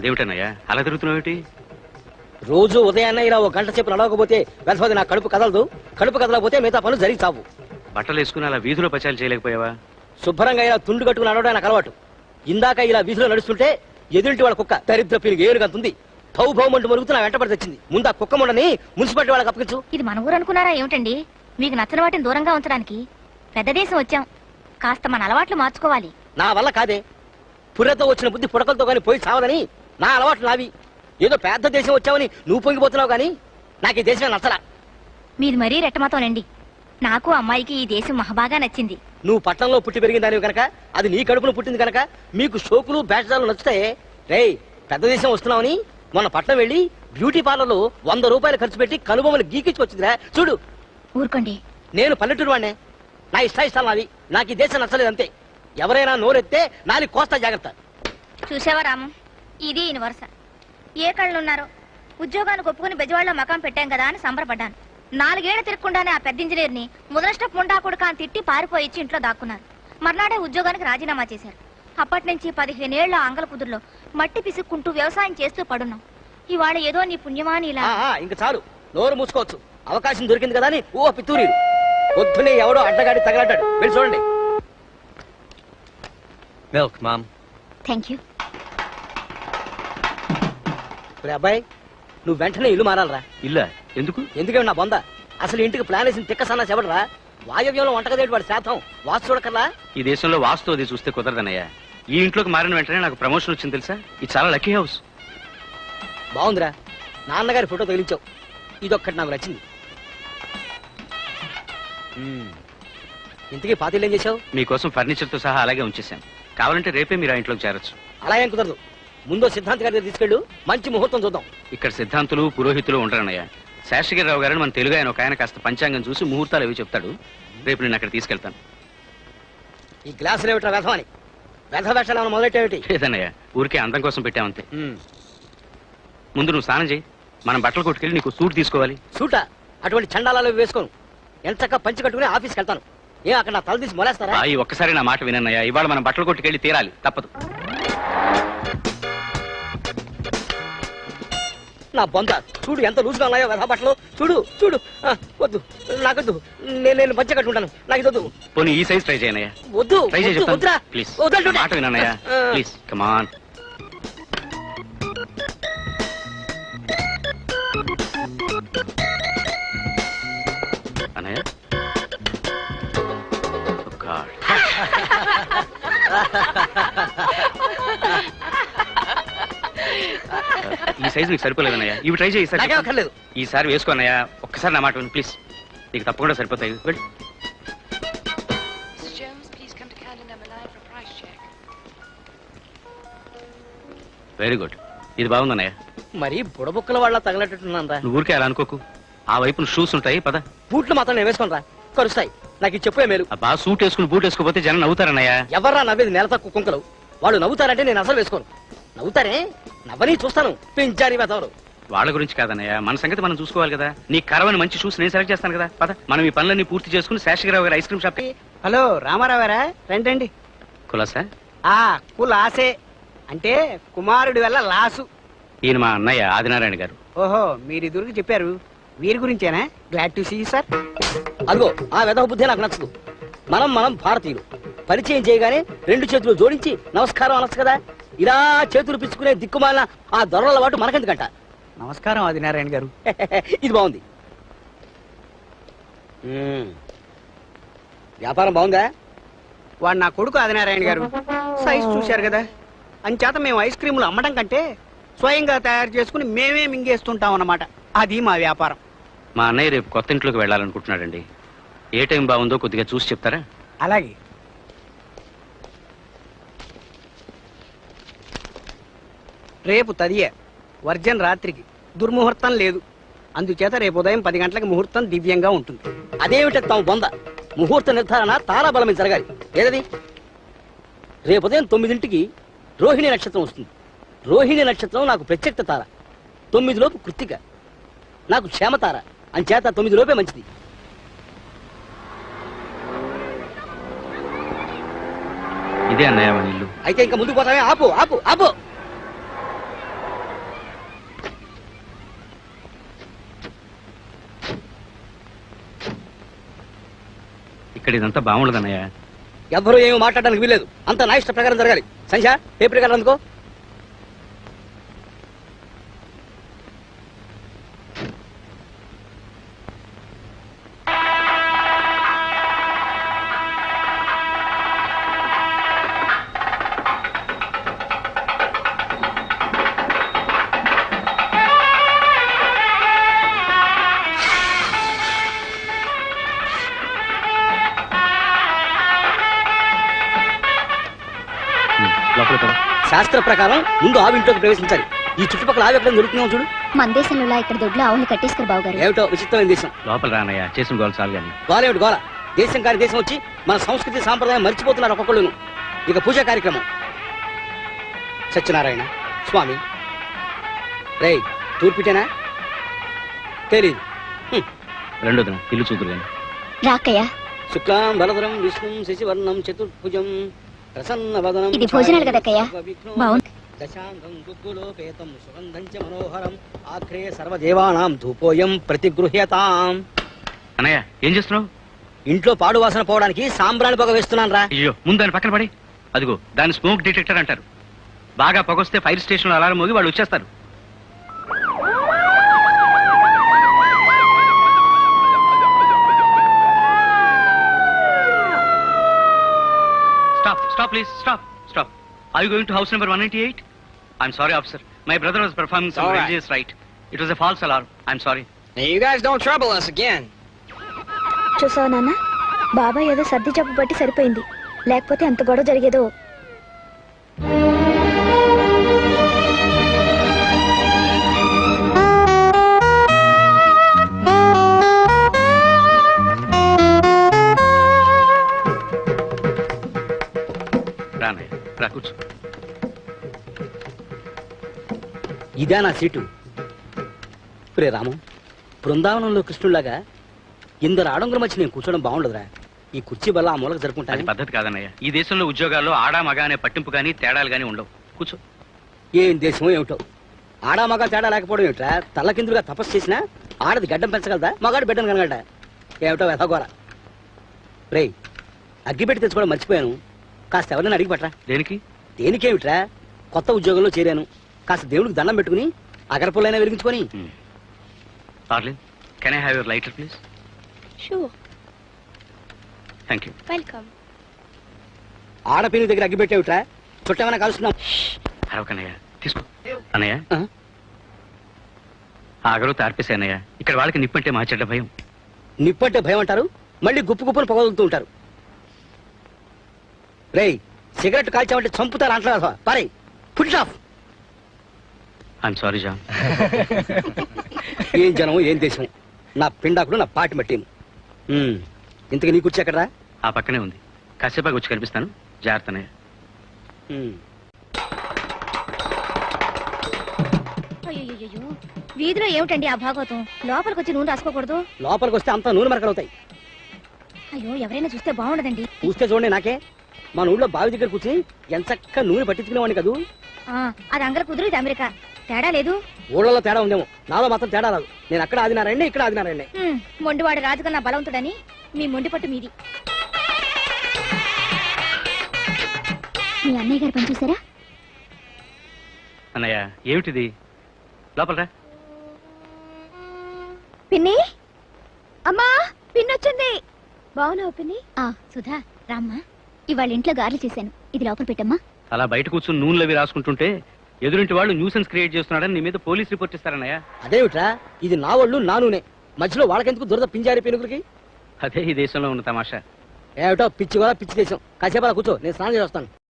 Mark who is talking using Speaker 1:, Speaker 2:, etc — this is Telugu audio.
Speaker 1: అదేమిటన్నయ్యా అలా తిరుగుతున్నావు?
Speaker 2: రోజు ఉదయాన్నే ఇలా ఒక గంట సేపు నడవకపోతే వెళ్తుంది నా కడుపు కదలదు. కడుపు కదలకపోతే మిగతా పనులు జరిగి చావు.
Speaker 1: బట్టలు వేసుకుని అలా వీధిలో పచాలు చేయలేకపోయావా?
Speaker 2: శుభ్రంగా ఇలా తుండు కట్టుకుని నడవడం నాకు అలవాటు. ఇందాక ఇలా వీధిలో నడుస్తుంటే ఎదురింటి వాళ్ళ కుక్క దరిద్ర పీలికి ఏనుగంతుంది. భౌభౌమంటూ మరుగుతూ నా వెంటబడి తెచ్చింది. ముందు ఆ కుక్క ముండని మున్సిపాలిటీ వాళ్ళకి అప్పగించు.
Speaker 3: ఇది మన ఊరు అనుకున్నారా ఏమిటండి? మీకు నచ్చిన వాటిని దూరంగా ఉంచడానికి పెద్ద దేశం వచ్చాం. కాస్త మన అలవాట్లు మార్చుకోవాలి.
Speaker 2: నా వల్ల కాదే. పుర్రెతో వచ్చిన బుద్ధి పుడకలతో గాని పోయి చావదని నా అలవాట్లు నావి. ఏదో పెద్ద దేశం వచ్చావని నువ్వు పొంగిపోతున్నావు గాని నాకు ఈ దేశమే నచ్చలా.
Speaker 3: మీరు మరీ రెట్టమాతోనండి. నాకు అమ్మాయికి ఈ దేశం మహాబాగా నచ్చింది.
Speaker 2: నువ్వు పట్టణంలో పుట్టి పెరిగిన దానివి కనుక, అది నీ కడుపును పుట్టింది కనుక మీకు షోకులు బ్యాచ్ నచ్చుతాయే. రేయ్, పెద్ద దేశం వస్తున్నావని మొన్న పట్నం వెళ్ళి బ్యూటీ పార్లర్లో 100 రూపాయలు ఖర్చు పెట్టి కనుబొమ్మలు గీకించుకొచ్చిందిరా. చూడు.
Speaker 3: ఊరుకోండి.
Speaker 2: నేను పల్లెటూరు వాడినే. నా ఇష్టాలు నావి. నాకు ఈ దేశం నచ్చలేదు అంతే. ఎవరైనా నోరెత్తే నాని కోస్తా జాగ్రత్త.
Speaker 3: చూసావా రాము, ఇది ఈయన వరుస. ఏ కళ్ళున్నారో. ఉద్యోగానికి ఒప్పుకుని బెజవాడలో మకాం పెట్టాం కదా అని సంబరపడ్డాను. 4 ఏళ్లు తిరగకుండానే ఆ పెద్ద ఇంజనీర్ని ముదనష్టపు ముండా కొడుక అని తిట్టి పారిపోయి ఇంట్లో దాక్కున్నారు. మర్నాడే ఉద్యోగానికి రాజీనామా చేశారు. అప్పటి నుంచి 15 ఏళ్ల అంగల కుదురులో మట్టి పిసుక్కుంటూ వ్యవసాయం చేస్తూ పడున్నాం. ఇవాళ ఏదో నీ పుణ్యమాని ఇలా.
Speaker 2: ఇంక చాలు, నోరు మూసుకోవచ్చు. అవకాశం దొరికింది కదా అని ఓ పితూరి పొద్దునే ఎవడో అడ్డగాడి తగలడ్డాడు. వెళ్ళి చూడండి.
Speaker 1: Milk ma'am.
Speaker 3: Thank you.
Speaker 2: అబ్బాయి, నువ్వు వెంటనే ఇల్లు మారాలరా.
Speaker 1: ఇల్లా? ఎందుకు?
Speaker 2: ఎందుకంటే నా బొంద అసలు ఇంటికి ప్లాన్ వేసిన తిక్క సన్నా చెప్పడరా. వాయవ్యంలో వంటగదేటి వాడి శాతం వాస్తు చూడకర్లా.
Speaker 1: ఈ దేశంలో వాస్తు అది చూస్తే కుదరదన్నయ్యా. ఈ ఇంట్లోకి మారిన వెంటనే నాకు ప్రమోషన్ వచ్చింది తెలుసా. ఇది చాలా లక్కీ హౌస్.
Speaker 2: బాగుందిరా. నాన్నగారి ఫోటో తగిలించావు. ఇదొక్కటి నాకు నచ్చింది. ఇంతకీ పాతిళ్ళు ఏం చేశావు?
Speaker 1: మీకోసం ఫర్నిచర్ తో సహా అలాగే ఉంచేశాను. కావాలంటే రేపే మీరు ఆ ఇంట్లోకి చేరొచ్చు.
Speaker 2: అలా ఏం కుదరదు. ముందు సిద్ధాంత్ గారి దగ్గర తీసుకెళ్ళు. మంచి ముహూర్తం చూద్దాం.
Speaker 1: ఇక్కడ సిద్ధాంతులు పురోహితులు ఉంటారన్నయ్య. శాస్త్రిగిరిరావు గారిని మన తెలుగు ఆయన ఒక ఆయన కాస్త పంచాంగం చూసి ముహూర్తాలు అవి చెప్తాడు. రేపు నేను అక్కడ తీసుకెళ్తాను.
Speaker 2: ఈ గ్లాసులు ఏమిటా వ్యధమని? వ్యధ వేషాలు ఏమైనా మొదలెట్టేమిటి?
Speaker 1: లేదన్నయ్య, ఊరికే అందం కోసం పెట్టామంతే. ముందు నువ్వు స్నానం చేయి. మనం బట్టలు కొట్టుకెళ్ళి నీకు సూట్ తీసుకోవాలి.
Speaker 2: సూటా? అటువంటి చండాలాలు వేసుకోను. ఎంతగా పంచి కట్టుకుని ఆఫీస్కి వెళ్తాను. అక్కడ నా తల తీసి మొలేస్తారా?
Speaker 1: ఒక్కసారి నా మాట వినన్నయ్య. ఇవాళ మనం బట్టలు కొట్టుకెళ్ళి తీరాలి, తప్పదు.
Speaker 2: నా బొంద చూడు ఎంత లూజ్గా ఉన్నాయో వ్యధ బట్టలు. చూడు చూడు. వద్దు, నాకొద్దు. నేను మధ్య కట్టుకుంటాను. నాకు ఇది వద్దు.
Speaker 1: పోనీ ఈ సైజ్ ట్రై చేయనయ్యా.
Speaker 2: వద్దు,
Speaker 1: ట్రై చేయి
Speaker 2: వద్దురా.
Speaker 1: ప్లీజ్ మాట వినన్నయ్య. Please come on. అన్నయ్య, ఈ సైజు నీకు సరిపోలేదన్నయ్య. ఇవి ట్రై చేయి. ఈసారి వేసుకోన్నయ్య. ఒక్కసారి నా మాట విను ప్లీజ్. నీకు తప్పకుండా సరిపోతాయి. వెళ్ళు. Very good. ఇది బాగుందన్నయ్య.
Speaker 2: మరి బుడబుక్కల వాళ్ళ తగలట్టున్నారా?
Speaker 1: నువ్వు ఊరికే అలా అనుకోకు. ఆ వైపున షూస్ ఉంటాయి, పద.
Speaker 2: బూట్లు మాత్రం నేను వేసుకోనరా, కరుస్తాయి. నాకు ఇది చెప్పే మేలు.
Speaker 1: బా సూట్ వేసుకుని బూట్ వేసుకోపోతే జనం నవ్వుతారన్నయ్య.
Speaker 2: ఎవర్రా నవ్వేది? నెల తక్కువ కుంకలు. వాళ్ళు నవ్వుతారంటే నేను అసలు వేసుకోను. నవ్వుతారే, నవ్వని చూస్తాను. పెంచారి వెతవరు.
Speaker 1: వాళ్ళ గురించి కాదన్నయ్య, మన సంగతి మనం చూసుకోవాలి కదా. నీ కరవని మంచి షూస్ నేను సెలెక్ట్ చేస్తాను కదా. పద, మనం ఈ పనులన్నీ పూర్తి చేసుకుని శాస్త్రిరావు గారి ఐస్ క్రీమ్ షాప్.
Speaker 4: హలో రామారావారా? రండి.
Speaker 1: కులాసా?
Speaker 4: కులాసే అంటే కుమారుడి వల్ల లాసు.
Speaker 1: ఈయన మా అన్నయ్య ఆదినారాయణ గారు.
Speaker 4: ఓహో, మీరు ఇదురికి చెప్పారు. వీరి గురించేనా? Glad to see sir.
Speaker 2: అదిగో ఆ వెధవ బుద్ధి నాకు నచ్చదు. మనం భారతీయులు. పరిచయం చేయగానే 2 చేతులు జోడించి నమస్కారం అనొచ్చు కదా. ఇలా చేతులు పిచ్చుకునే దిక్కుమాలిన ఆ దొరల వాటు మనకెందుకంట.
Speaker 4: నమస్కారం ఆదినారాయణ గారు.
Speaker 2: ఇది బాగుంది. వ్యాపారం బాగుందా?
Speaker 4: వాడు నా కొడుకు ఆదినారాయణ గారు. సైజ్ చూశారు కదా. అంచేత మేము ఐస్ క్రీములు అమ్మడం కంటే స్వయంగా తయారు చేసుకుని మేమే మింగేస్తుంటాం అన్నమాట. అది మా వ్యాపారం.
Speaker 1: మా అన్నయ్య రేపు కొత్త ఇంట్లోకి వెళ్ళాలనుకుంటున్నాడండి. ఏ టైం బాగుందో కొద్దిగా చూసి చెప్తారా?
Speaker 4: అలాగే. రేపు తదియే వర్జన్ రాత్రికి దుర్ముహూర్తం లేదు. అందుచేత రేపు ఉదయం 10 గంటలకు ముహూర్తం దివ్యంగా ఉంటుంది.
Speaker 2: అదేమిటి తమ బొంద? ముహూర్త నిర్ధారణ తారా బలమే జరగాలి. ఏదది? రేపు ఉదయం 9ంటికి రోహిణి నక్షత్రం వస్తుంది. రోహిణి నక్షత్రం నాకు ప్రత్యక్ష తార. 9 లోపు కృత్తిక నాకు క్షేమతార. అంచేత 9 లోపే మంచిది.
Speaker 1: ఇదే అన్నయ్య మన ఇల్లు.
Speaker 2: అయితే ఇంకా ముందుకు పోతామే. ఆపు ఆపు ఆపు.
Speaker 1: ఇక్కడ ఇదంతా బాగుండదన్నయ్య.
Speaker 2: ఎవ్వరూ ఏమీ మాట్లాడడానికి వీలేదు. అంత నా ఇష్ట ప్రకారం జరగాలి. సంధ్య పేపర్ ప్రకారం అందుకో.
Speaker 1: లోపలికి పద.
Speaker 2: శాస్త్ర ప్రకారం ముందు ఆవు ఇంట్లోకి ప్రవేశించాలి. ఈ చుట్టుపక్కల ఆవు ఎక్కడ దొరుకుతున్నాం చూడు.
Speaker 3: మన దేశంలో ఇక్కడ దొడ్లో ఆవుని కట్టేసుకురు బావగారు.
Speaker 2: ఏమిటో విచిత్రమైన దేశం.
Speaker 1: లోపల రానయ్య, చేసిన గోల చాలు కానీ.
Speaker 2: గోలేమిటి గోల? దేశం కాని దేశం వచ్చి మన సంస్కృతి సాంప్రదాయం మర్చిపోతున్నారు ఒక్కొక్కళ్ళును. ఇక పూజా కార్యక్రమం. సత్యనారాయణ స్వామి. రేయ్ తూర్పిటేనా? తెలీదు.
Speaker 1: రెండోదిన ఇల్లు చూదురు కానీ.
Speaker 3: రాకయ్య,
Speaker 2: శుక్లాం బలధరం విష్ణుం శశివర్ణం చతుర్భుజం ప్రసన్నవదనం.
Speaker 3: ఇది భోజనాలు కదక్కయ్య. బాగుంది.
Speaker 2: దశాంగం గుగ్గులోపేతం సుగంధం చ మనోహరం ఆఖరే సర్వదేవానాం ధూపోయం ప్రతిగృహ్యతాం.
Speaker 1: అన్నయ్య ఏం చేస్తున్నావు?
Speaker 2: ఇంట్లో పాడు వాసన పోవడానికి సాంబ్రాణి పొగ వేస్తున్నాను రా.
Speaker 1: అయ్యో ముందు దాని పక్కన పడి. అదిగో దాన్ని స్మోక్ డిటెక్టర్ అంటారు. బాగా పొగొస్తే ఫైర్ స్టేషన్ లో అలారం మోగి వాళ్ళు వచ్చేస్తారు. Stop, stop, please, stop, stop. Are you going to house number 198? I'm sorry, officer. My brother was performing some
Speaker 5: All right.
Speaker 1: religious rite. It was a false alarm. I'm sorry.
Speaker 5: Now you guys don't trouble us again.
Speaker 3: చూసావు నాన్న, బాబాయ్ ఏదో సర్ది జబ్బు బట్టి సరిపోయింది, లేకపోతే ఎంత గొడవ జరిగేదో.
Speaker 1: రానయ్య, రా కూర్చో.
Speaker 2: ఇదే నా సీటు. ప్రే రాము, బృందావనంలో కృష్ణుడిలాగా ఇందరు ఆడంగుల మధ్య నేను కూర్చోవడం బాగుండదురా. ఈ కుర్చీ వల్ల ఆ మూలకు
Speaker 1: అది
Speaker 2: జరుపుకుంటాను.
Speaker 1: పద్ధతి కాదన్నయ్య. ఈ దేశంలో ఉద్యోగాల్లో ఆడా మగ అనే పట్టింపు కానీ తేడాలు కానీ ఉండవు. కూర్చో.
Speaker 2: ఏం దేశమో ఏమిటో. ఆడా మగ తేడా లేకపోవడం ఏమిట్రా? తల్లకిందులుగా తపస్సు చేసినా ఆడది గడ్డం పెంచగలదా, మగాడు బిడ్డను కనగలడా? ఏమిటో వెధగోర. రే అగ్గిపెట్టి తెచ్చుకోవడం మర్చిపోయాను. కాస్త ఎవరైనా అడిగి పట్రా.
Speaker 1: దేనికి?
Speaker 2: దేనికేమిట్రా, కొత్త ఉద్యోగంలో చేరాను. కాస్త దేవుడికి దండం పెట్టుకుని అగరపుల్లైనా వెలిగించుకొని.
Speaker 1: Darling, can I have your lighter please?
Speaker 3: Sure,
Speaker 1: thank you.
Speaker 3: Welcome.
Speaker 2: ఆడపిల్లి దగ్గర అగ్గిపెట్టేవిట్రా? చుట్టేమైనా కలుస్తున్నాం.
Speaker 1: అరవకన్నయ్య, తీసుకో. అన్నయ్య,
Speaker 2: ఆ?
Speaker 1: ఆగరు తార్పేసే అన్నయ్య. ఇక్కడ వాళ్ళకి నిప్పంటే మా చెడ్డ భయం.
Speaker 2: నిప్పంటే భయం అంటారు, మళ్ళీ గుప్పు గుప్పును పొగలుతూ ఉంటారు. రేయ్ సిగరెట్ కాల్చామంటే చంపుతారు అంటారు. పారే, ఫుడ్ ఆఫ్.
Speaker 1: I'm sorry John.
Speaker 2: ఏం జనం, ఏం దేశం. నా పిండాకుడు, నా పాటి మట్టిను. ఇంతకు నీ కూర్చో ఎక్కడరా?
Speaker 1: ఆ పక్కనే ఉంది. కాసేపాకి వచ్చి కనిపిస్తాను. జాగ్రత్త అన్నయ్య.
Speaker 3: అయ్యో, వీధిలో ఏమిటండి ఆ భాగవతం? లోపలికి వచ్చి నూనె రాసుకోకూడదు?
Speaker 2: లోపలికి వస్తే అంతా నూనె మరకలు అవుతాయి.
Speaker 3: అయ్యో, ఎవరైనా చూస్తే బాగుండదండి.
Speaker 2: చూస్తే చూడండి నాకే. మన ఊళ్ళో బావి దగ్గర కూర్చుని ఎంచక్క నూనె పట్టించుకునేవాడిని కదూ.
Speaker 3: అది అంగర కుదురు, ఇది అమెరికా. తేడా లేదు.
Speaker 2: ఊళ్ళలో తేడా ఉందేమో, నాలో మాత్రం తేడా రాదు. నేను అక్కడ ఆదినారండి, ఇక్కడ ఆదినారండి.
Speaker 3: మొండివాడు రాజుకన్నా బలవంతుడని మీ మొండి పట్టు మీది. మీ అన్నయ్య గారు పని చూసారా?
Speaker 1: అన్నయ్య ఏమిటిది? లోపలరా.
Speaker 3: పిన్ని, అమ్మా, పిన్ని వచ్చింది. బాగున్నావు పిన్ని? సుధా రామ్మా, ఇవాళ ఇంట్లో గారెలు చేశాను, ఇది లోపల పెట్టమ్మా.
Speaker 1: అలా బయట కూర్చుని నూనెలవి రాసుకుంటుంటే ఎదురింటి వాళ్ళు న్యూసెన్స్ క్రియేట్ చేస్తున్నాడని నీ మీద పోలీస్ రిపోర్ట్ ఇస్తారన్నయ్య.
Speaker 2: అదేమిట్రా, ఇది నా వాళ్ళు, నా నూనె. మధ్యలో వాళ్ళకెందుకు దురద పింజారి పెనుగురికి?
Speaker 1: అదే ఈ దేశంలో ఉన్న తమాషా.
Speaker 2: ఏమిటో పిచ్చి కూడా పిచ్చి దేశం. కాసేపు అలా కూర్చో, నేను స్నానం చేసి వస్తాను.